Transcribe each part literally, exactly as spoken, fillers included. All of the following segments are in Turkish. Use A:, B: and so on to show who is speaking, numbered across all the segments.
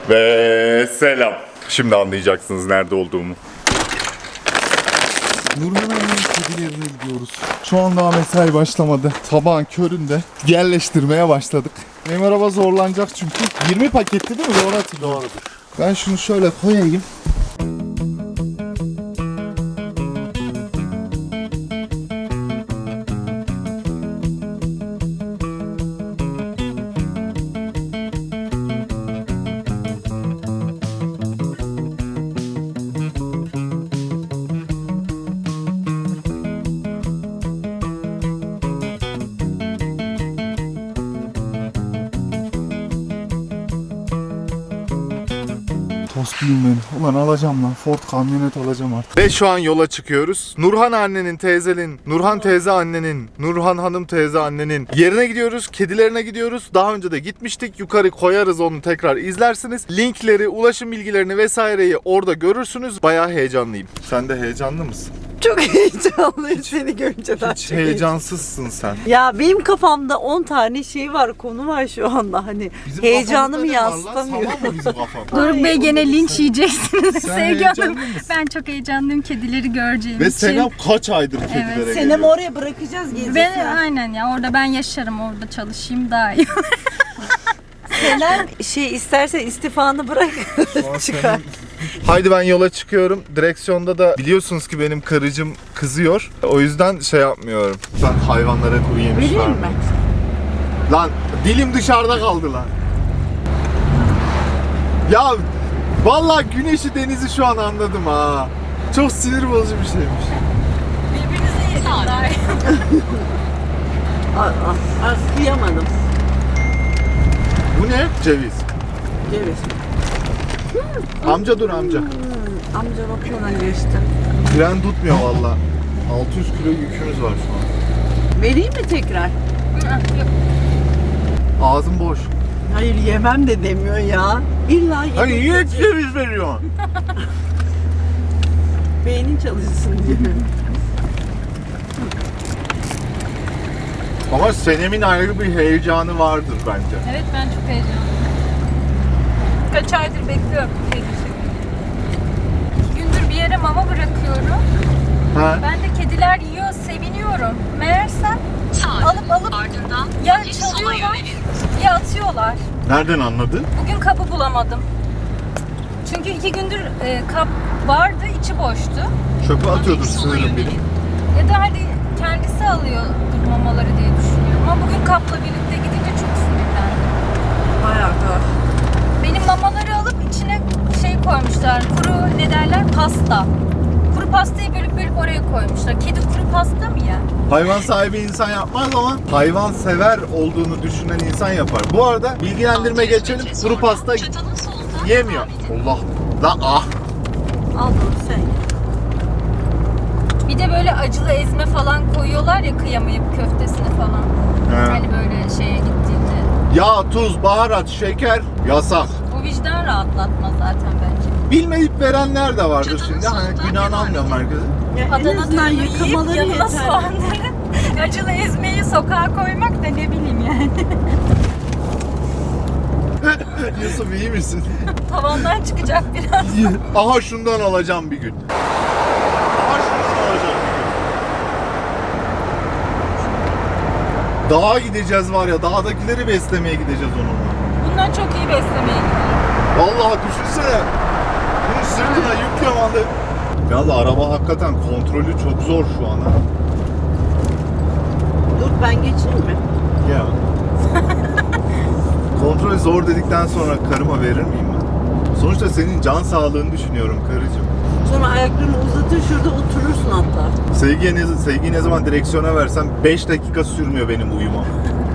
A: Ve selam. Şimdi anlayacaksınız nerede olduğumu. Nurhan Anne'nin kedilerine gidiyoruz. Şu an daha mesai başlamadı. Sabahın köründe yerleştirmeye başladık. Benim araba zorlanacak çünkü. yirmi paketti değil mi? Doğru hatırlıyorum. Doğrudur. Ben şunu şöyle koyayım. Tospiyim ben. Ulan alacağım lan. Ford kamyonet alacağım artık. Ve şu an yola çıkıyoruz. Nurhan annenin, teyzenin, Nurhan teyze annenin, Nurhan hanım teyze annenin yerine gidiyoruz. Kedilerine gidiyoruz. Daha önce de gitmiştik. Yukarı koyarız, onu tekrar izlersiniz. Linkleri, ulaşım bilgilerini vesaireyi orada görürsünüz. Bayağı heyecanlıyım. Sen de heyecanlı mısın?
B: Çok heyecanlıyım seni görünce daha
A: Hiç
B: çok
A: heyecansızsın sen.
B: Ya benim kafamda on tane şey var, konu var şu anda hani
A: Bizim
B: heyecanımı
A: kafamızda ne var lan?
B: yansıtamıyorum.
A: Tamam mı bizim kafamda?
C: Doruk Bey gene linç yiyeceksiniz.
A: Sen
C: Sevgi
A: heyecanlı
C: Hanım.
A: mısın?
C: Ben çok heyecanlıyım kedileri göreceğim
A: Ve
C: için.
A: Senem kaç aydır kedilere
C: Evet.
B: Senem
A: geliyor?
B: oraya bırakacağız gezisine.
C: Ben, aynen ya, orada ben yaşarım, orada çalışayım daha iyi.
B: Senem şey istersen istifanı bırak çıkar.
A: Haydi ben yola çıkıyorum. Direksiyonda da biliyorsunuz ki benim karıcığım kızıyor. O yüzden şey yapmıyorum. Ben hayvanlara kuru yemiş
B: Vereyim
A: vermem.
B: mi?
A: Lan dilim dışarıda kaldı lan. Ya vallahi güneşi denizi şu an anladım ha. Çok sinir bozucu bir şeymiş.
C: Birbirinize yedim daha iyi.
B: Az kıyamadım.
A: Bu ne? Ceviz.
B: Ceviz.
A: Amca dur amca.
B: Hmm, amca bakıyordan geçti.
A: Fren tutmuyor valla. altı yüz kilo yükümüz var şu an.
B: Vereyim mi tekrar?
C: Yok.
A: Ağzım boş.
B: Hayır yemem de demiyor ya. İlla yemek.
A: Hani niye ceviz veriyorsun?
B: Beynin çalışsın diye.
A: Ama Senem'in ayrı bir heyecanı vardır bence.
C: Evet, ben çok heyecanlıyım. Kaç aydır bekliyorum kedi çekimi. İki gündür bir yere mama bırakıyorum.
A: Ha?
C: Ben de kediler yiyor, seviniyorum. Meğersem alıp alıp ya çalıyorlar ya atıyorlar.
A: Nereden anladın?
C: Bugün kabı bulamadım. Çünkü iki gündür e, kap vardı, içi boştu.
A: Çöpe atıyordur sığırım benim.
C: Ya da hadi kendisi alıyordur mamaları diye düşünüyorum. Ama bugün kapla birlikte gidince çok sinirlendim.
B: Bayağı da.
C: Benim mamaları alıp içine şey koymuşlar, kuru ne derler, pasta. Kuru pastayı bölüp bölüp oraya koymuşlar. Kedi kuru pasta mı ya?
A: Hayvan sahibi insan yapmaz ama hayvan sever olduğunu düşünen insan yapar. Bu arada bilgilendirme geçelim. Kuru pasta yemiyor. Allah. La ah.
B: Al bunu sen.
C: Bir de böyle acılı ezme falan koyuyorlar ya, kıyamayıp köftesine falan.
A: He.
C: Hani böyle şeye gittiğinde.
A: Yağ, tuz, baharat, şeker yasak.
C: O vicdan rahatlatmaz zaten bence.
A: Bilmeyip verenler de vardır şimdi. Hani günahını almıyorum herkese.
B: Ya en
C: Adana
B: azından
C: dürümü yiyip
B: yıkamaları
C: yanına
B: yeter.
C: soğanları, acılı ezmeyi sokağa koymak da ne bileyim yani.
A: Yusuf iyi misin?
C: Tavandan çıkacak biraz.
A: Aha şundan alacağım bir gün. Aha şundan alacağım bir gün. Dağa gideceğiz var ya, dağdakileri beslemeye gideceğiz onunla.
C: Bundan çok iyi beslemeye gidiyor.
A: Vallahi düşünsene. Bunun sırtına yüklüyorum anda. Ya da araba hakikaten kontrolü çok zor şu an ha.
B: Dur ben geçeyim mi?
A: Ya. Kontrol zor dedikten sonra karıma verir miyim ben? Sonuçta senin can sağlığını düşünüyorum karıcığım.
B: Sonra ayaklarını uzatır şurada oturursun hatta.
A: Sevgiye ne, sevgiyi ne zaman direksiyona versem beş dakika sürmüyor benim uyumam.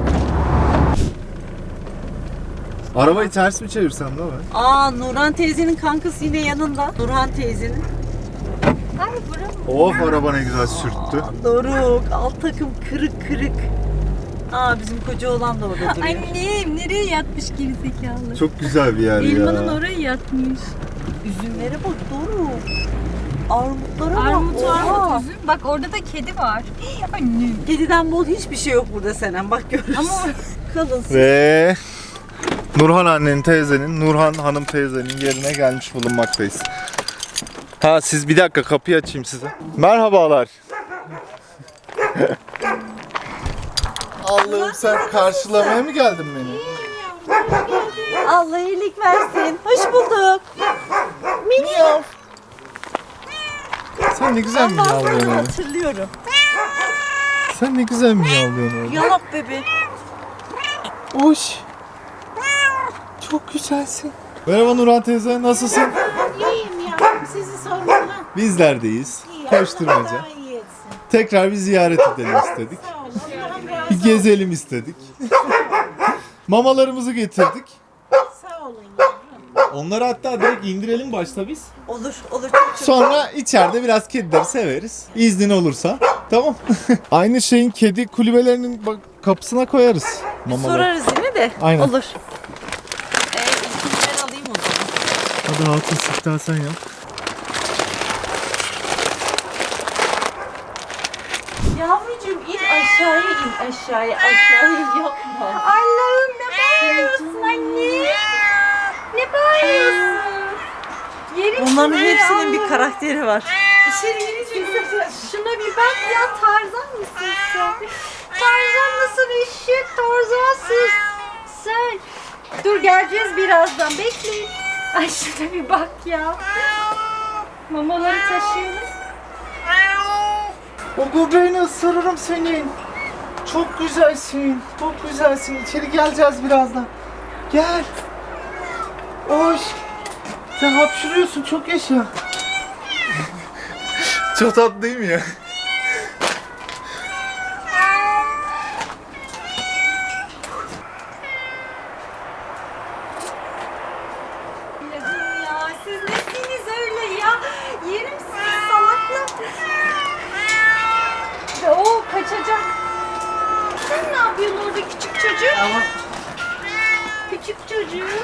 A: Arabayı ters mi çevirsem ne var?
B: Aa Nurhan teyzenin kankası yine yanında. Nurhan teyzenin.
C: Ay buram.
A: Of araba ne güzel sürttü.
B: Doruk alt takım kırık kırık. Aa bizim koca oğlan da orada duruyor.
C: Annem nereye yatmış gerizekalı?
A: Çok güzel bir yer
C: Elmanın
A: ya.
C: oraya yatmış.
B: Üzümlere bak Doruk. Armutlara bak.
C: Armut
B: Oha.
C: armut üzüm. Bak orada da kedi var. Annem.
B: Kediden bol hiçbir şey yok burada Senem. Bak görürsün.
C: Ama
B: kalınsın.
A: Ve Nurhan annenin teyzenin, Nurhan hanım teyzenin yerine gelmiş bulunmaktayız. Ha siz bir dakika kapıyı açayım size. Merhabalar. Allah'ım sen karşılamaya mı geldin beni?
B: Allah iyilik versin. Hoş bulduk. Miyav.
A: Sen ne güzel
B: Allah'ım
A: miyavlıyorsun öyle.
B: hatırlıyorum.
A: Sen ne güzel miyavlıyorsun öyle.
B: Yalap bebe.
A: Hoş. Çok güzelsin. Merhaba Nurhan teyze, nasılsın?
D: İyiyim ya. Sizi sormalı.
A: Bizler deyiz.
D: İyi. Allah
A: Koşturmaca.
D: daha iyi etsin.
A: Tekrar bir ziyaret edelim istedik.
D: Sağ olun. Allah'ım razı
A: Bir
D: olsun.
A: gezelim istedik. Mamalarımızı getirdik.
D: Sağ olun yavrum.
A: Onları hatta direkt indirelim başta biz.
B: Olur, olur. Çok çok.
A: Sonra içeride biraz kedileri severiz. İznin olursa. Tamam. Aynı şeyin kedi kulübelerinin bak kapısına koyarız. Mamaları.
B: Sorarız yine de.
A: Aynen.
B: Olur. Ee, ilkini ben alayım o zaman.
A: Hadi halkın siftah sen yap.
B: Yavrucuğum in aşağıya in aşağıya aşağıya yapma.
C: Allah'ım ne bağırıyorsun anne? Ne bağırıyorsun? Yerim
B: Onların
C: sizi
B: hepsinin
C: ya.
B: bir karakteri var.
C: İçeri girince şuna bir bak ya, Tarzan mısın sen? Tarzan mısın eşek? Tarzansın sen. Dur geleceğiz birazdan, bekleyin. Ay şuna bir bak ya. Mamaları taşıyalım.
A: O göbeğini ısırırım senin. Çok güzelsin. Çok güzelsin. İçeri geleceğiz birazdan. Gel. Hoş. Sen hapşırıyorsun. Çok yaşa. Çok tatlı değil mi ya?
C: Allah'ım ya, siz nesiniz öyle ya? Yerim sizi salaklar. Ve o kaçacak. Sen ne yapıyorsun orada küçük çocuk?
A: Ama
C: Küçük çocuk.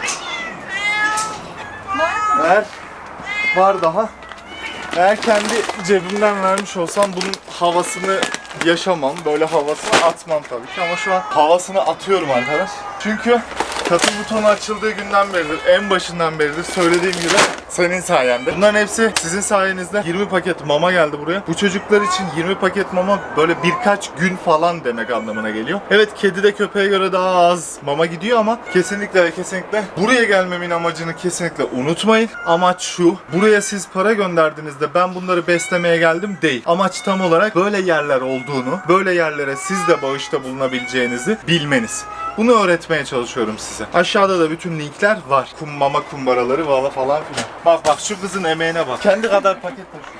C: Var mı?
A: ver. Var daha. Eğer kendi cebimden vermiş olsam bunun havasını yaşamam. Böyle havasını atmam tabii ki ama şu an havasını atıyorum arkadaş. Çünkü katıl butonu açıldığı günden beridir, en başından beridir söylediğim gibi senin sayende. Bunların hepsi sizin sayenizde. yirmi paket mama geldi buraya. Bu çocuklar için yirmi paket mama böyle birkaç gün falan demek anlamına geliyor. Evet, kedi de köpeğe göre daha az mama gidiyor ama kesinlikle ve kesinlikle buraya gelmemin amacını kesinlikle unutmayın. Amaç şu: buraya siz para gönderdiğinizde ben bunları beslemeye geldim değil. Amaç tam olarak böyle yerler olduğunu, böyle yerlere siz de bağışta bulunabileceğinizi bilmeniz. Bunu öğretmeye çalışıyorum size. Aşağıda da bütün linkler var. Kum, mama kumbaraları valla falan filan. Bak bak şu kızın emeğine bak. Kendi kadar paket taşıyor.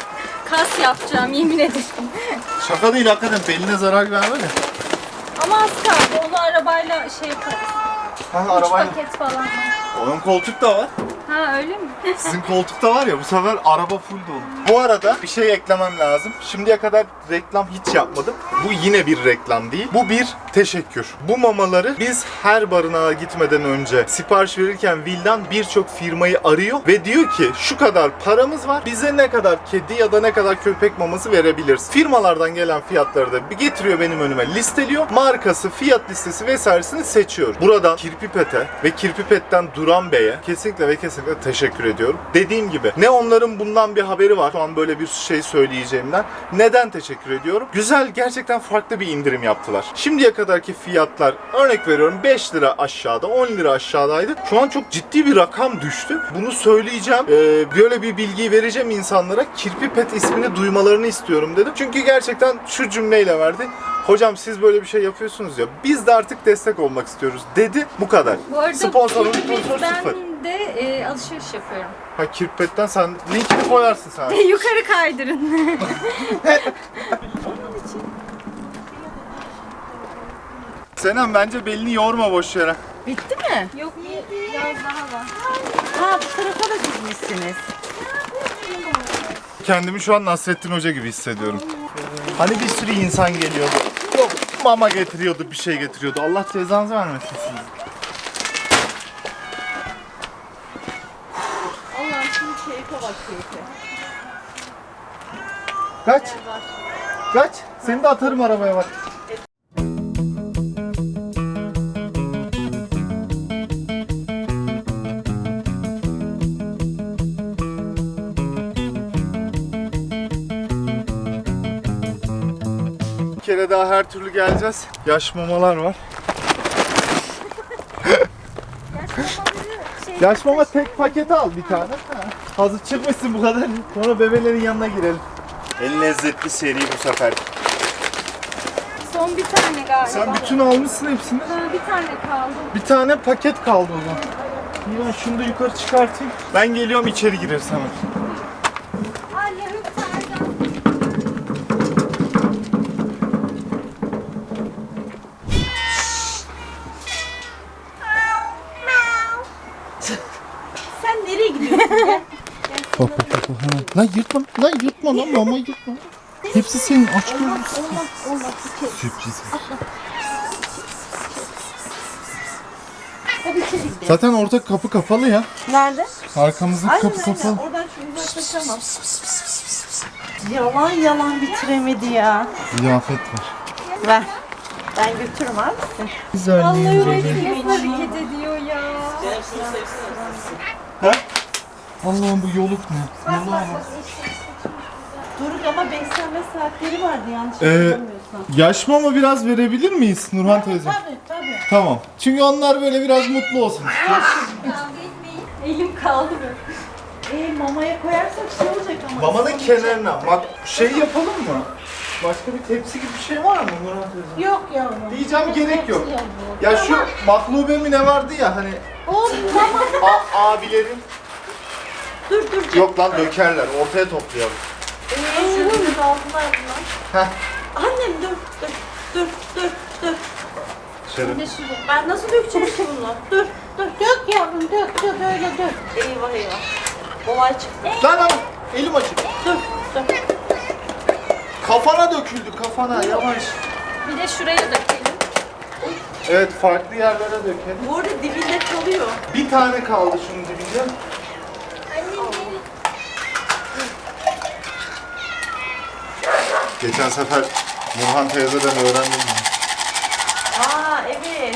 C: Kas yapacağım yemin ederim.
A: Şaka değil hakikaten, beline zarar verme de.
C: Ama az kaldı. Onu arabayla şey yaparız.
A: Ha,
C: Üç
A: arabayla.
C: paket falan var.
A: Onun koltuk da var.
C: Ha öyle mi?
A: Sizin koltukta var ya, bu sefer araba full dolu. Bu arada bir şey eklemem lazım. Şimdiye kadar reklam hiç yapmadım. Bu yine bir reklam değil. Bu bir teşekkür. Bu mamaları biz her barınağa gitmeden önce sipariş verirken Vildan birçok firmayı arıyor ve diyor ki şu kadar paramız var. Bize ne kadar kedi ya da ne kadar köpek maması verebiliriz. Firmalardan gelen fiyatları da bir getiriyor benim önüme, listeliyor. Markası, fiyat listesi vesairesini seçiyor. Buradan Kirpipet'e ve Kirpipet'ten Duran Bey'e kesinlikle ve kesinlikle teşekkür ediyorum. Dediğim gibi ne onların bundan bir haberi var şu an böyle bir şey söyleyeceğimden. Neden teşekkür ediyorum? Güzel, gerçekten farklı bir indirim yaptılar. Şimdiye kadarki fiyatlar, örnek veriyorum, beş lira aşağıda, on lira aşağıdaydı. Şu an çok ciddi bir rakam düştü. Bunu söyleyeceğim. Ee, böyle bir bilgiyi vereceğim insanlara. Kirpipet ismini duymalarını istiyorum dedim. Çünkü gerçekten şu cümleyle verdi. Hocam siz böyle bir şey yapıyorsunuz ya, biz de artık destek olmak istiyoruz dedi. Bu kadar.
C: Bu arada
A: Sponsorun
C: Kirpik
A: sponsor sıfır.
C: ben de e, alışveriş yapıyorum.
A: Ha, Kirpet'ten sen linkini koyarsın sen.
C: Yukarı kaydırın.
A: Senem bence belini yorma boş yere.
B: Bitti mi?
C: Yok biraz daha var.
B: Ha, bu tarafa da gitmişsiniz.
A: Kendimi şu an Nasrettin Hoca gibi hissediyorum. Hani bir sürü insan geliyordu. Yok mama getiriyordu, bir şey getiriyordu. Allah cezanızı vermesin sizi.
B: Allah'ım şimdi keyfe bak keyfe.
A: Kaç? Kaç? Seni de atarım arabaya bak. kere daha her türlü geleceğiz. Yaş mamalar var. Yaş mama tek paketi al bir tane. Ha. Hazır çıkmışsın bu kadar. Sonra bebelerin yanına girelim. En lezzetli seri bu sefer.
C: Son bir tane galiba.
A: Sen bütün almışsın hepsini.
C: Ha, bir tane kaldı.
A: Bir tane paket kaldı o zaman. İyi, ben şunu da yukarı çıkartayım. Ben geliyorum, içeri gireriz hemen.
C: Anne hüp Tarzan.
B: Sen nereye gidiyorsun ya?
A: Bak bak bak. bak. Lan yırtma, lan yırtma lan mama yırtma. Hepsi senin, aç gözlü.
C: Olmaz olmaz.
A: Sürpriz.
C: Hadi içeri gidelim.
A: Zaten orta kapı kapalı ya.
B: Nerede?
A: Arkamızdaki
B: Aynen
A: kapı
B: aynen.
A: kapalı.
B: Oradan şu uzaklaşamam. Yalan yalan bitiremedi ya.
A: Ziyafet var.
B: Ver. Ben götürürüm abi.
A: Güzel.
C: Vallahi Ureki nasıl hareket ediyor ya.
A: Ha? Allah'ım bu yoluk ne? Yoluğa bak.
B: Doruk ama beslenme saatleri vardı yanlış
A: Ee,
B: hatırlamıyorsam.
A: yaş mama biraz verebilir miyiz Nurhan teyze?
D: Tabii tabii.
A: Tamam. Çünkü onlar böyle biraz mutlu olsun.
C: Kavga etmeyin. Elim kaldı böyle.
B: Ee, mamaya koyarsak şey olacak ama.
A: Mamanın kenarına. Bak şey yapalım mı? Başka bir tepsi gibi bir şey var mı Nurhan teyze?
D: Yok yavrum.
A: Diyeceğim gerek yok.
D: Hepsi
A: Ya şu maklube mi ne vardı ya hani
D: O mama.
A: a- abilerin.
B: Dur dur.
A: Yok lan dökerler. Ortaya toplayalım.
B: Ee, şunun altına bunlar.
A: Heh.
B: Annem dur dur dur dur dur.
A: Şöyle.
B: Ben nasıl dökeceğim ki bunu? Dur dur.
D: Dök yavrum dök dök öyle dök.
B: Eyvah eyvah. Olay çıktı.
A: Lan lan elim açık.
B: Dur dur.
A: Kafana döküldü kafana yavaş.
C: Bir de şuraya dökelim.
A: Evet farklı yerlere dökelim.
B: Bu arada dibinde kalıyor.
A: Bir tane kaldı şunun dibinde. Geçen sefer Nurhan teyzeden öğrendim.
B: Aa evet.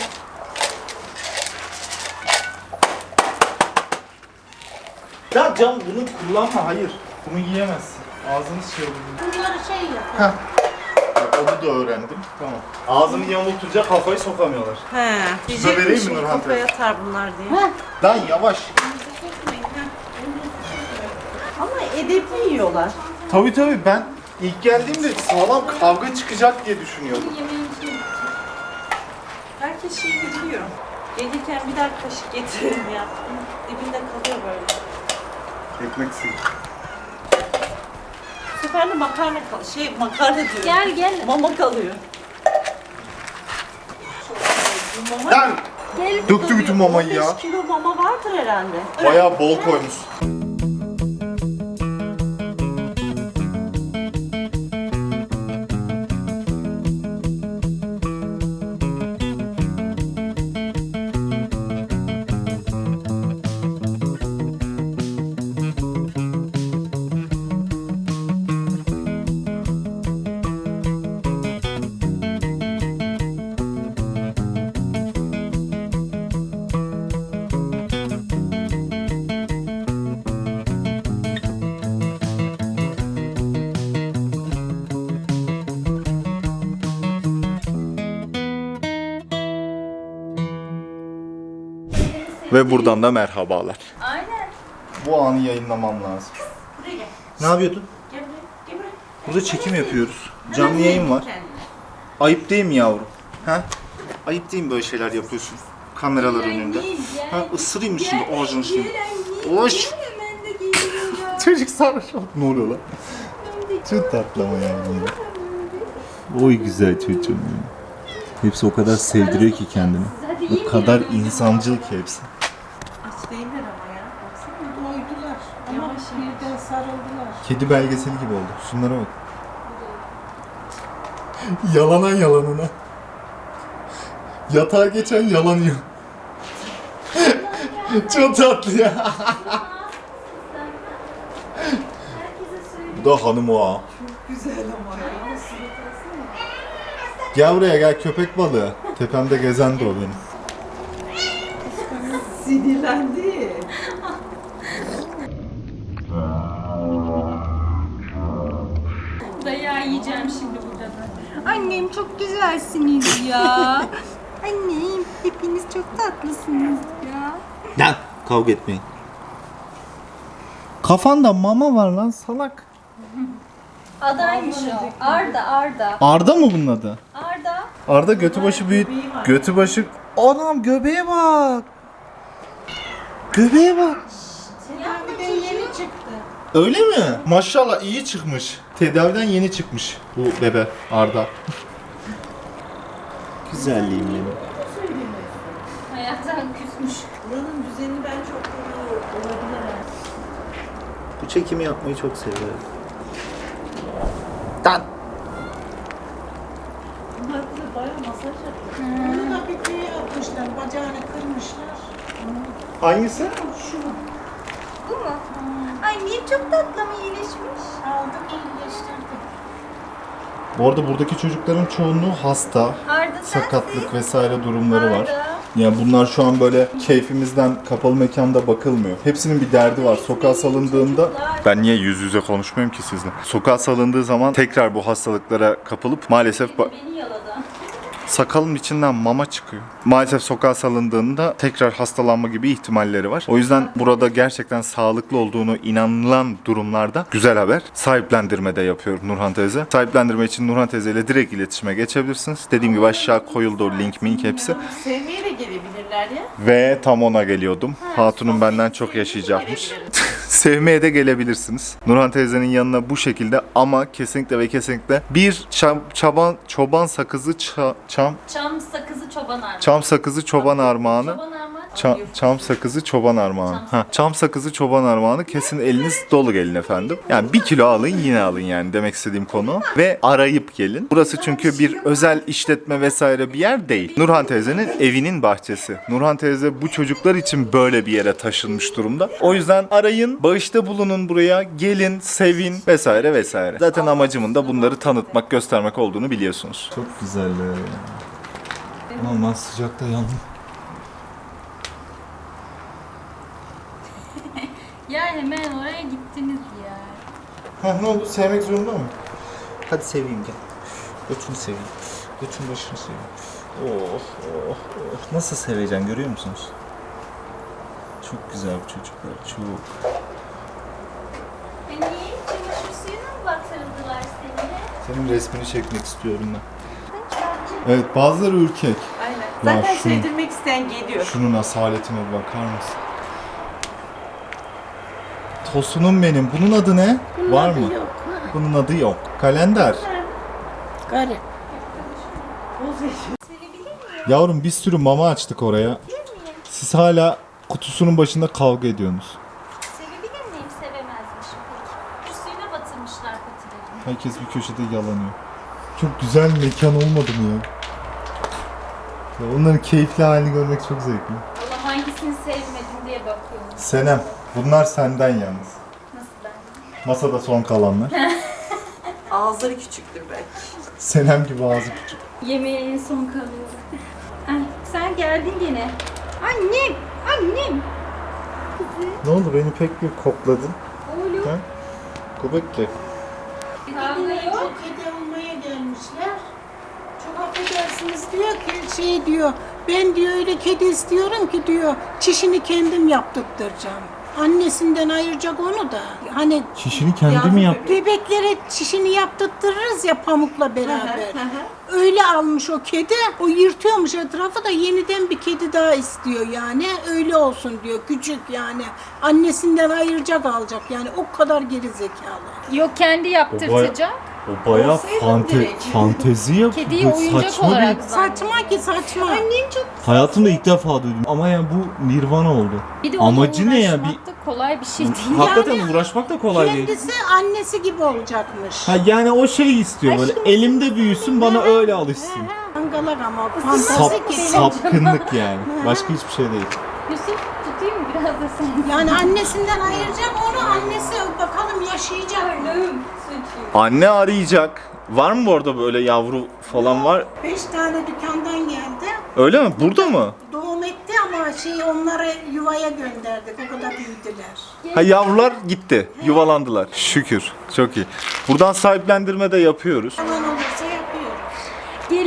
A: Ya Can bunu kullanma hayır. Bunu yiyemezsin. Ağzınız şey olur.
D: Bunları şey yap.
A: Heh. Bak onu da öğrendim. Tamam. Ağzını yamultunca kafayı sokamıyorlar.
B: He.
A: Size vereyim mi
B: Diyecekmişim
A: Nurhan
B: kafaya
A: teyze?
B: atar bunlar diye.
A: Lan yavaş.
B: Ama edepli yiyorlar.
A: Tabii tabii ben ilk geldiğimde sağlam kavga çıkacak diye düşünüyordum.
B: Herkes şeyi biliyor. Gelirken birer kaşık getirelim ya. Dibinde kalıyor böyle.
A: Ekmek suyu.
B: Bu sefer de makarna kal şey makarna diyorum.
C: Gel gel.
B: Mama kalıyor. Bu mama
A: Lan
C: Gel.
A: döktü bütün mamayı ya.
B: on beş kilo mama vardır herhalde.
A: Bayağı bol koymuş. Ve buradan da merhabalar.
C: Aynen.
A: Bu anı yayınlamam lazım.
B: Buraya gel.
A: Ne yapıyordun?
B: Gel buraya. Gel buraya.
A: Burada çekim yapıyoruz. Canlı yayın var. Ayıp değil mi yavrum? Ha? Ayıp değil mi böyle şeyler yapıyorsun? Kameralar önünde. Ha, ısırayım mı şimdi ağzını şimdi? Oş!
C: Hemen de geliyor.
A: Çocuk sarhoş oldu. Ne oluyor lan? Çok tatlı ama yani. Oy güzel çocuğum benim. Hepsi o kadar sevdiriyor ki kendini. O kadar insancıl ki hepsi.
B: Aç değiller ama ya. Baksana.
D: Doydular. Ama
B: Yavaş
D: birden sarıldılar.
A: Kedi belgeseli gibi oldu. Şunlara bak. Yalana yalanına. Yatağa geçen yalanıyor. Çok tatlı ya. Bu da hanım o ha.
B: Güzel ama ya.
A: Gel buraya gel köpek balığı. Tepemde gezen de o benim.
B: Sinirlendi.
C: Dayağı yiyeceğim şimdi burada da. Ay Annem çok güzelsiniz ya. Annem hepiniz çok tatlısınız ya.
A: Lan kavga etmeyin. Kafanda mama var lan salak.
C: Adaymış o. Arda, Arda.
A: Arda mı bunun adı?
C: Arda.
A: Arda götü başı büyük. Götü başı... Anam göbeğe bak. Göbeğe bak.
D: Tedaviden yeni çıktı.
A: Öyle mi? Maşallah iyi çıkmış. Tedaviden yeni çıkmış bu bebe Arda. Güzelliğim benim.
C: Hayattan küsmüş.
B: Buranın düzeni ben çok olabilir. ha.
A: Bu çekimi yapmayı çok seviyorum. Dan.
B: Bunlar bize bayağı masaj yapıyor.
D: Bunu da bir köye atmışlar. Bacağını kırmışlar.
A: Hangisi?
D: Şu
C: Bu mu? Annem çok tatlı mı iyileşmiş?
D: aldık iyileştirdik.
A: Bu arada buradaki çocukların çoğunluğu hasta,
C: Arda
A: sakatlık vesaire durumları var.
C: Arda.
A: Yani bunlar şu an böyle keyfimizden kapalı mekanda bakılmıyor. Hepsinin bir derdi var. Sokağa salındığında... Ben niye yüz yüze konuşmuyorum ki sizle? Sokağa salındığı zaman tekrar bu hastalıklara kapılıp maalesef... ba-
C: Beni yaladı.
A: Sakalın içinden mama çıkıyor. Maalesef sokağa salındığında tekrar hastalanma gibi ihtimalleri var. O yüzden burada gerçekten sağlıklı olduğunu inanılan durumlarda güzel haber. Sahiplendirme de yapıyor Nurhan teyze. Sahiplendirme için Nurhan teyze ile direkt iletişime geçebilirsiniz. Dediğim gibi aşağı koyuldu o link mink hepsi.
B: Sevmeye de gelebilirler ya.
A: Ve tam ona geliyordum. Hatunum benden çok yaşayacakmış. Sevmeye de gelebilirsiniz. Nurhan teyzenin yanına bu şekilde ama kesinlikle ve kesinlikle bir çam, çaban, çoban sakızı ça- çam
C: Çam sakızı çoban armağanı.
A: çam sakızı çoban armağanı.
C: Çoban armağanı.
A: Çam, çam sakızı çoban armağanı. Ha, çam sakızı çoban armağanı kesin eliniz dolu gelin efendim. Yani bir kilo alın yine alın yani demek istediğim konu. Ve arayıp gelin. Burası çünkü bir özel işletme vesaire bir yer değil. Nurhan teyzenin evinin bahçesi. Nurhan teyze bu çocuklar için böyle bir yere taşınmış durumda. O yüzden arayın, bağışta bulunun buraya, gelin, sevin vesaire vesaire. Zaten amacımın da bunları tanıtmak, göstermek olduğunu biliyorsunuz. Çok güzel. Aman sıcakta yandım.
C: Ya hemen oraya gittiniz ya.
A: Ha ne oldu? Sevmek zorunda mı? Hadi seveyim gel. Götünü seveyim. Götün başını seveyim. Oh oh oh. Nasıl seveceksin görüyor musunuz? Çok güzel bu çocuklar. Çok.
C: Beni çamaşır suyuna mı batırdılar seni?
A: Senin resmini çekmek istiyorum ben. Evet bazıları ürkek.
B: Aynen.
A: Ya
B: Zaten
A: şunu-
B: sevdirmek isteyen geliyor.
A: Şunun asaletine bir bakar mısın? Tosunum benim. Bunun adı ne? Var mı?
D: Yok.
A: Bunun adı yok. Kalender.
D: Garip.
A: Yavrum bir sürü mama açtık oraya. Siz hala kutusunun başında kavga ediyorsunuz.
C: Sevebilir miyim? Sevemezmişim peki. Şu suyuna batırmışlar patilerini.
A: Herkes bir köşede yalanıyor. Çok güzel mekan olmadı mı ya? Ya onların keyifli halini görmek çok zevkli.
C: Allah hangisini sevmedim diye bakıyorum.
A: Senem, bunlar senden yalnız.
C: Nasıl ben?
A: Masada son kalanlar.
B: Ağızları küçüktür belki.
A: Senem gibi ağzı küçük.
C: Yemeğe en son kalıyor. Ay, sen geldin gene. Annem, annem.
A: Ne oldu beni pek bir kokladın?
C: Oğlum.
A: Ha? Kubekli.
C: Kavga yok.
D: Çok kedi almaya gelmişler. Çok affedersiniz diyor ki şey diyor. Ben diyor öyle kedi istiyorum ki diyor. Çişini kendim yaptırtacağım. Annesinden ayıracak onu da. Hani
A: Çişini kendi mi yaptı?
D: bebeklere çişini yaptırtırırız ya pamukla beraber. Öyle almış o kedi. O yırtıyormuş etrafı da yeniden bir kedi daha istiyor yani. Öyle olsun diyor. Küçük yani. Annesinden ayıracak alacak yani. O kadar geri zekalı.
C: Yok kendi yaptırtacak.
A: O bayağı fante, fantezi yapıyor.
C: Kediyi oyuncak olarak
D: Saçma ki saçma.
C: Annem çok.
A: Hayatımda ilk defa duydum. Ama yani bu nirvana oldu.
C: Bir de onunla
A: Amacı ne ya?
C: uğraşmak da kolay bir şey değil.
A: Hakikaten uğraşmak da kolay değil.
D: Kendisi annesi gibi olacakmış.
A: Ha yani o şey istiyor böyle elimde büyüsün bana öyle alışsın.
D: Angalak ama
A: Sap,
D: fantezi ki.
A: sapkınlık yani. Başka hiçbir şey değil.
C: Yusuf tutayım mı biraz da sen?
D: Yani annesinden ayıracak onu annesi bakalım yaşayacak mı?
C: Ölüm.
A: Anne arayacak. Var mı bu arada böyle yavru falan var?
D: Beş tane dükkandan geldi.
A: Öyle mi? Burada mı?
D: Doğum etti ama şey onları yuvaya gönderdik. O kadar büyüdüler.
A: Ha yavrular gitti. Yuvalandılar. Şükür. Çok iyi. Buradan sahiplendirme de yapıyoruz.
D: Alan olursa yapıyoruz.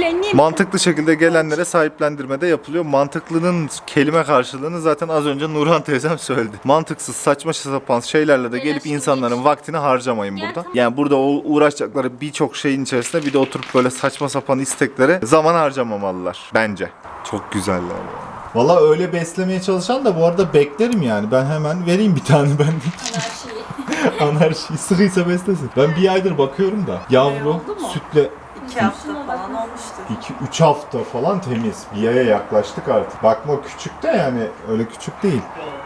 C: annem.
A: Mantıklı şekilde gelenlere sahiplendirme de yapılıyor. Mantıklının kelime karşılığını zaten az önce Nurhan teyzem söyledi. Mantıksız, saçma sapan şeylerle de gelip insanların vaktini harcamayın burada. Yani burada o uğraşacakları birçok şeyin içerisinde bir de oturup böyle saçma sapan isteklere zaman harcamamalılar bence. Çok güzeller ya. Valla öyle beslemeye çalışan da bu arada beklerim yani. Ben hemen vereyim bir tane ben de.
C: Anarşiyi.
A: Anarşi sıkıysa beslesin. Ben bir aydır bakıyorum da yavru
B: oldu mu?
A: sütle
B: İki hafta falan olmuştur.
A: iki üç hafta falan temiz. Bir aya yaklaştık artık. Bakma küçük de yani öyle küçük değil.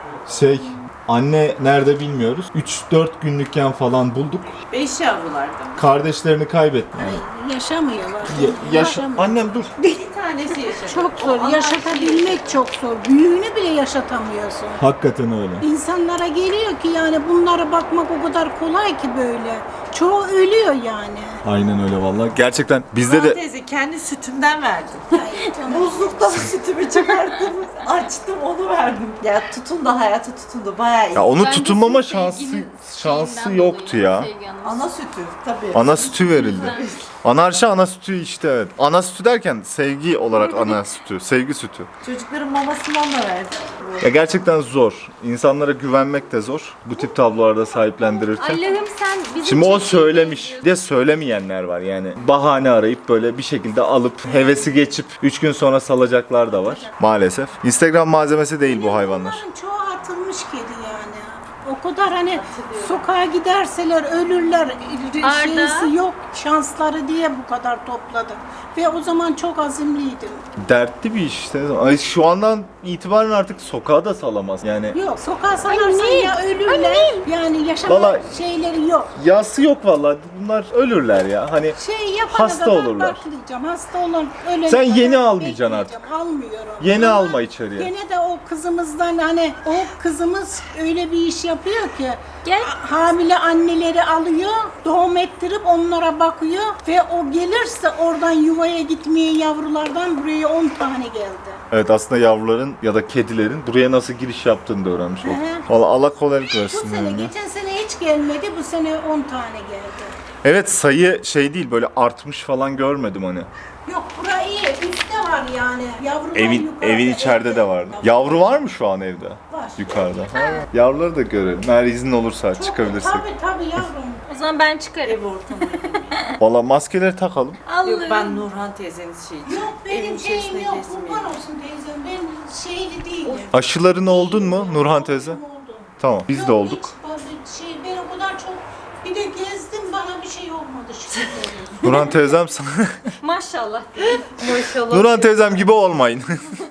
A: Şey anne nerede bilmiyoruz. üç dört günlükken falan bulduk.
B: Beş yavrulardı.
A: Kardeşlerini kaybetti.
D: Ay, yaşamıyorlar.
A: Ya, yaşa annem dur.
B: Bir tanesi yaşadı.
D: Çok zor.
B: O
D: Yaşatabilmek çok zor. Büyüğünü bile yaşatamıyorsun.
A: Hakikaten öyle.
D: İnsanlara geliyor ki yani bunlara bakmak o kadar kolay ki böyle. Çoğu ölüyor yani.
A: Aynen öyle vallahi. Gerçekten bizde
B: Nurhan
A: de
B: teyze kendi sütümden verdim.
D: Ay, canım.
B: Buzluktan sütümü çıkarttım, açtım onu verdim. Ya tutundu, hayata tutundu, bayağı iyi.
A: ya onu
C: Bence
A: tutunmama
C: sizin
A: şansı
C: sevginiz
A: şansı
C: şeyinden
A: yoktu
C: dolayı,
A: ya.
C: sevgi anlamında.
B: Ana sütü tabii.
A: Ana sütü verildi. Anarşi ana sütü işte evet. Ana sütü derken sevgi olarak ana sütü, sevgi sütü.
B: Çocukların mamasından da verdim.
A: Ya gerçekten zor. İnsanlara güvenmek de zor. Bu tip tablolarda sahiplendirirken.
C: Allah'ım sen bizi
A: Şimdi o
C: çok
A: söylemiş.
C: iyi
A: Bir de söylemeyenler var yani. Bahane arayıp böyle bir şekilde alıp hevesi geçip üç gün sonra salacaklar da var. Maalesef. Instagram malzemesi değil bu hayvanlar.
D: Bunların çoğu atılmış kedi yani. O kadar hani sokağa giderseler ölürler
C: Arda.
D: şeysi yok şansları diye bu kadar topladım. Ve o zaman çok azimliydim.
A: Dertli bir iş işte. Ay şu andan itibaren artık sokağa da salamaz. Yani
D: Yok sokağa salarsan ya ölürler yani yaşama
A: Vallahi-
D: şeyleri yok.
A: yası yok vallahi. Bunlar ölürler ya. Hani
D: Şey yapana
A: Hasta
D: kadar
A: olurlar.
D: baklayacağım. Hasta olan ölene
A: Sen
D: kadar
A: yeni almayacaksın
D: bekleyeceğim. Almıyorum.
A: yeni
D: Ama
A: alma içeriye.
D: Gene de o kızımızdan hani o kızımız öyle bir iş yapıyor ki
C: Gel.
D: hamile anneleri alıyor, doğum ettirip onlara bakıyor ve o gelirse oradan yuvaya gitmeye yavrulardan buraya on tane geldi.
A: Evet aslında yavruların ya da kedilerin buraya nasıl giriş yaptığını da öğrenmiş olduk.
D: Hı.
A: Valla Allah kolaylık
D: Bu
A: versin
D: sene,
A: yani.
D: geçen sene hiç gelmedi, bu sene on tane geldi.
A: Evet sayı şey değil böyle artmış falan görmedim hani.
D: Yok burayı iyi, üstte var yani. Yavrular
A: Evin
D: yukarıda,
A: evin içeride
D: evde.
A: de vardı. Yavru var mı şu an evde?
D: Var.
A: Yukarıda. Ha. Yavruları da görelim. Eğer izin olursa
D: Çok-
A: çıkabilirsek.
D: Tabii tabii yavrum.
C: O zaman ben çıkarım.
B: Ev ortamı.
A: Valla maskeleri takalım.
B: Yok ben Nurhan teyzenin şeyi.
D: Yok benim
B: Evin
D: şeyim
B: içerisine
D: yok,
B: gezmeyin.
D: kurban olsun teyzem. Ben şeyli değilim.
A: Aşıların oldun mu Nurhan teyze?
D: Oldu.
A: Tamam biz de
D: Yok,
A: olduk.
D: hiç bazı şey, ben o kadar çok bir de gezdim bana bir şey olmadı şükür ederim.
A: Nurhan teyzem sana...
C: Maşallah.
B: Maşallah.
A: Nurhan teyzem gibi olmayın.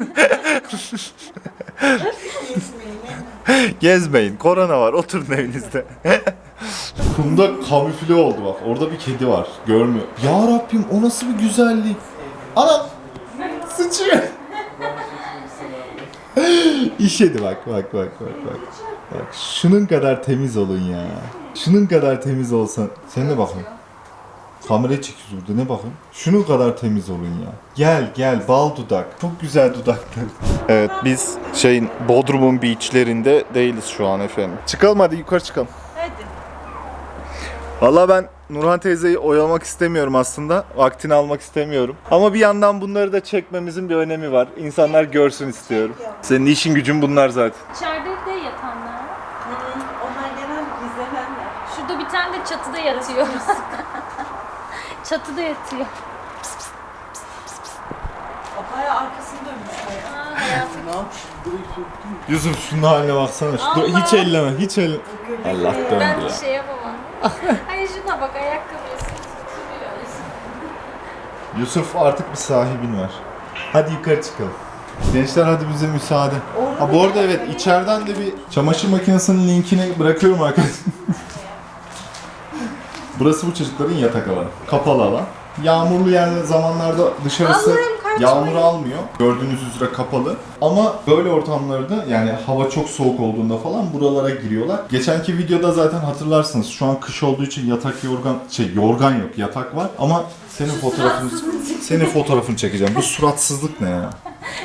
A: Gezmeyin. Korona var. Oturun evinizde. Kumda kamufle oldu bak. Orada bir kedi var. Görmüyor. Ya Rabbim o nasıl bir güzellik. Anam. Sıçıyor. İşedi bak bak bak bak bak. Bak şunun kadar temiz olun ya. Şunun kadar temiz olsan. Sen de bakın. Kameraya çekiyoruz burada ne bakın. Şunun kadar temiz olun ya. Gel gel bal dudak. Çok güzel dudaklar. Evet biz şeyin Bodrum'un beachlerinde değiliz şu an efendim. Çıkalım hadi yukarı çıkalım.
B: Hadi.
A: Valla ben Nurhan teyzeyi oyalamak istemiyorum aslında. Vaktini almak istemiyorum. Ama bir yandan bunları da çekmemizin bir önemi var. İnsanlar görsün istiyorum. Senin işin gücün bunlar zaten.
C: İçeride de yatanlar.
B: Hı, onlar genel gizlenenler.
C: Şurada bir tane de çatıda yatıyor. Çatıda yatıyor.
B: O bayağı arkasını dönmüş. bayağı.
C: Aa, hayatım.
B: Ne yapmış?
A: Yusuf şunun haline baksana. Şu-
C: Allah.
A: hiç elleme, hiç elle. Allah döndü
C: Ben
A: ya.
C: bir şey yapamam. Hayır şuna bak ayakkabıya tutuyor.
A: Yusuf artık bir sahibin var. Hadi yukarı çıkalım. Gençler hadi bize müsaade. Ha bu arada evet içeriden de bir çamaşır makinesinin linkini bırakıyorum arkadaşlar. Burası bu çocukların yatak alanı. Kapalı alan. Yağmurlu yer zamanlarda dışarısı yağmur almıyor. Gördüğünüz üzere kapalı. Ama böyle ortamlarda yani hava çok soğuk olduğunda falan buralara giriyorlar. Geçenki videoda zaten hatırlarsınız. Şu an kış olduğu için yatak yorgan şey yorgan yok yatak var ama senin fotoğrafını senin fotoğrafını çekeceğim. Bu suratsızlık ne ya?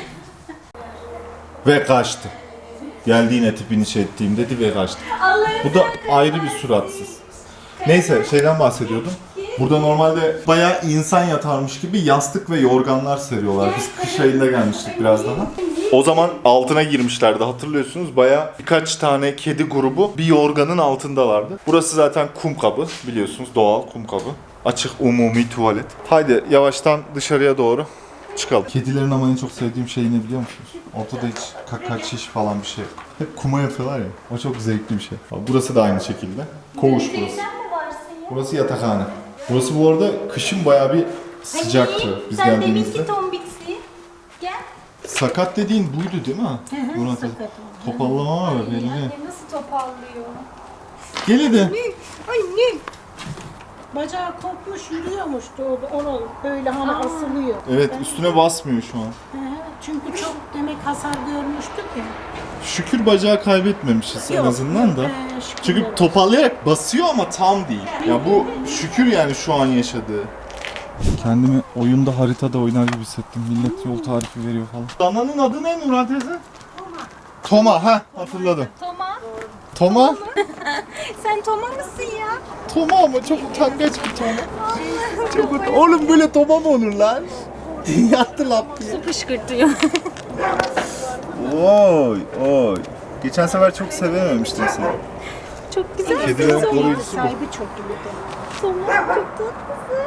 A: Ve kaçtı. Geldiğine tipini şey ettiğim dedi ve kaçtı. Bu da ayrı bir suratsız. Neyse şeyden bahsediyordum. Burada normalde bayağı insan yatarmış gibi yastık ve yorganlar seriyorlar. Biz kış ayında gelmiştik biraz daha. O zaman altına girmişlerdi, hatırlıyorsunuz. Bayağı birkaç tane kedi grubu bir yorganın altındalardı. Burası zaten kum kabı, biliyorsunuz, doğal kum kabı. Açık umumi tuvalet. Haydi yavaştan dışarıya doğru çıkalım. Kedilerin ama en çok sevdiğim şey ne biliyor musunuz? Ortada hiç kaka şiş falan bir şey yok. Hep kuma yatıyorlar ya. O çok zevkli bir şey. Burası da aynı şekilde. Koğuş burası. Burası yatakhane. Burası bu arada kışın bayağı bir sıcaktı biz
C: Sen
A: geldiğimizde.
C: deminki tombiksi. Gel.
A: Sakat dediğin buydu değil mi? Murat abi.
D: sakat.
A: Topallama var belli.
C: Anne nasıl topallıyor?
A: Gel hadi.
D: Anne. Bacağı kopmuş yürüyormuştu o ona böyle hani asılıyor.
A: Evet, üstüne basmıyor şu an.
D: He, çünkü çok demek hasar görmüştük ya.
A: Şükür bacağı kaybetmemişiz en
D: Yok,
A: azından da.
D: yok, he, şükür
A: Çünkü
D: olsun.
A: toparlayarak basıyor ama tam değil. Ya bu şükür yani şu an yaşadığı. Kendimi oyunda haritada oynar gibi hissettim. Millet yol tarifi veriyor falan. Dananın adı ne Nurhan teyze? Toma. Toma, ha hatırladım.
C: Toma.
A: Toma?
C: Sen Toma mısın ya?
A: Toma ama çok utangaç bir Toma. Çok ut- Oğlum böyle Toma mı olur lan? Yattı lap diye.
C: Su fışkırtıyor.
A: Oy oy. Geçen sefer çok sevememiştim seni.
C: Çok güzel.
A: Kedilerin koruyucusu bu.
D: Sahibi çok iyiydi.
C: Toma çok tatlısın.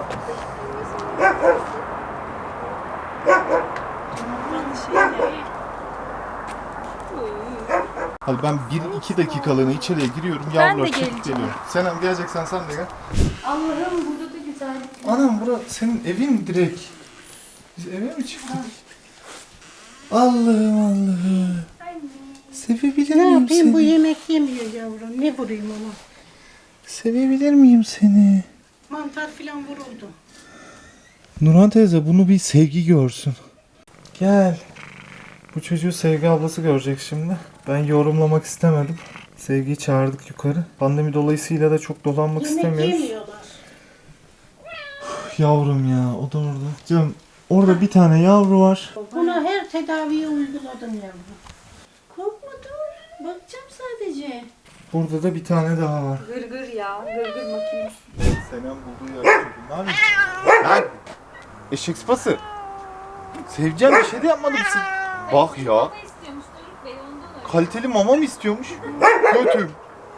A: Hadi ben bir iki dakikalığına içeriye giriyorum.
C: Ben
A: Yavrular
C: de
A: çıkıp
C: geleceğim.
A: geliyorum. Senem geleceksen sen de gel.
C: Allah'ım burada da güzel.
A: Anam bura senin evin direkt. Biz eve mi çıktık? Allah'ım Allah'ım. Sevebilir
D: Ne
A: miyim
D: yapayım
A: seni?
D: bu yemek yemiyor yavrum. Ne vurayım ona?
A: Sevebilir miyim seni?
D: Mantar filan vuruldu.
A: Nurhan teyze bunu bir Sevgi görsün. Gel. Bu çocuğu Sevgi ablası görecek şimdi. Ben yorumlamak istemedim. Sevgi'yi çağırdık yukarı. Pandemi dolayısıyla da çok dolanmak
D: Yemek
A: istemiyoruz.
D: yemiyorlar.
A: Yavrum ya, o da orada. Canım orada bir tane yavru var.
D: Buna her tedaviyi uyguladım yavrum.
C: Korkma dur. Bakacağım sadece.
A: Burada da bir tane daha var.
C: Gırgır ya. Gırgır makinesi.
A: Senem bulduğu yer çocuğum. Ne yapıyorsun? Lan! Eşek sıpası. Seveceğim bir şey de yapmadım siz. Bak ya.
C: istiyormuş Doruk Bey ondan öyle.
A: Kaliteli mama mı istiyormuş? Götüm.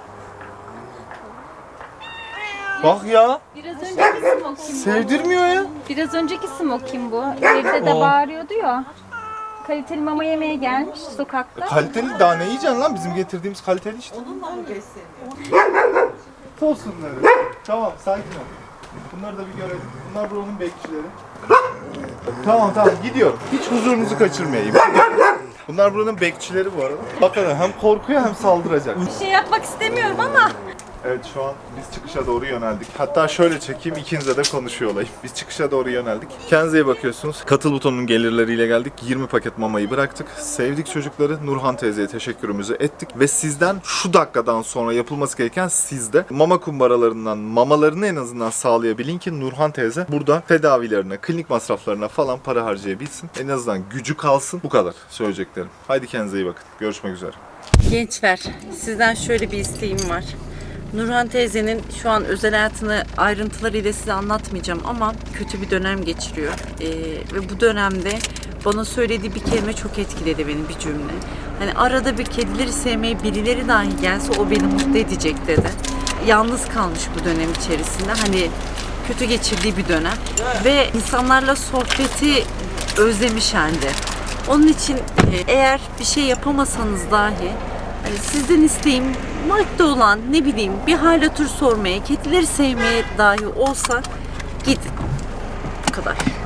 A: Bak ya.
C: Biraz önceki smokin bu.
A: Sevdirmiyor ya.
C: Biraz önceki smokin bu. Evde de
A: O.
C: bağırıyordu ya. Kaliteli mama yemeye gelmiş sokakta.
A: Kaliteli daha ne yiyeceksin lan? Bizim getirdiğimiz kaliteli işte.
B: Onunla mı besleniyor?
A: Olsunlar. Tamam, sakin ol. Bunları da bir görelim. Bunlar buranın bekçileri. Tamam tamam gidiyorum. Hiç huzurunuzu kaçırmayayım. Bunlar buranın bekçileri bu arada. Bakalım hem korkuyor hem saldıracak.
C: Bir şey yapmak istemiyorum ama.
A: Evet şu an biz çıkışa doğru yöneldik. Hatta şöyle çekeyim ikinize de konuşuyor olayım. Biz çıkışa doğru yöneldik. Kendinize iyi bakıyorsunuz. Katıl butonunun gelirleriyle geldik. yirmi paket mamayı bıraktık. Sevdik çocukları. Nurhan teyzeye teşekkürümüzü ettik. Ve sizden şu dakikadan sonra yapılması gereken sizde mama kumbaralarından mamalarını en azından sağlayabilin ki Nurhan teyze burada tedavilerine, klinik masraflarına falan para harcayabilsin. En azından gücü kalsın. Bu kadar söyleyeceklerim. Haydi kendinize iyi bakın. Görüşmek üzere.
B: Gençler, sizden şöyle bir isteğim var. Nurhan teyzenin şu an özel hayatını ayrıntılarıyla size anlatmayacağım ama kötü bir dönem geçiriyor. Ee, ve bu dönemde bana söylediği bir kelime çok etkiledi beni, bir cümle. Hani arada bir kedileri sevmeye birileri dahi gelse o beni mutlu edecek dedi. Yalnız kalmış bu dönem içerisinde. Hani kötü geçirdiği bir dönem. Ve insanlarla sohbeti özlemiş halde. Onun için e, eğer bir şey yapamasanız dahi hani sizden isteğim madde olan ne bileyim bir hal hatır sormaya, kedileri sevmeye dahi olsa gidin. Bu kadar.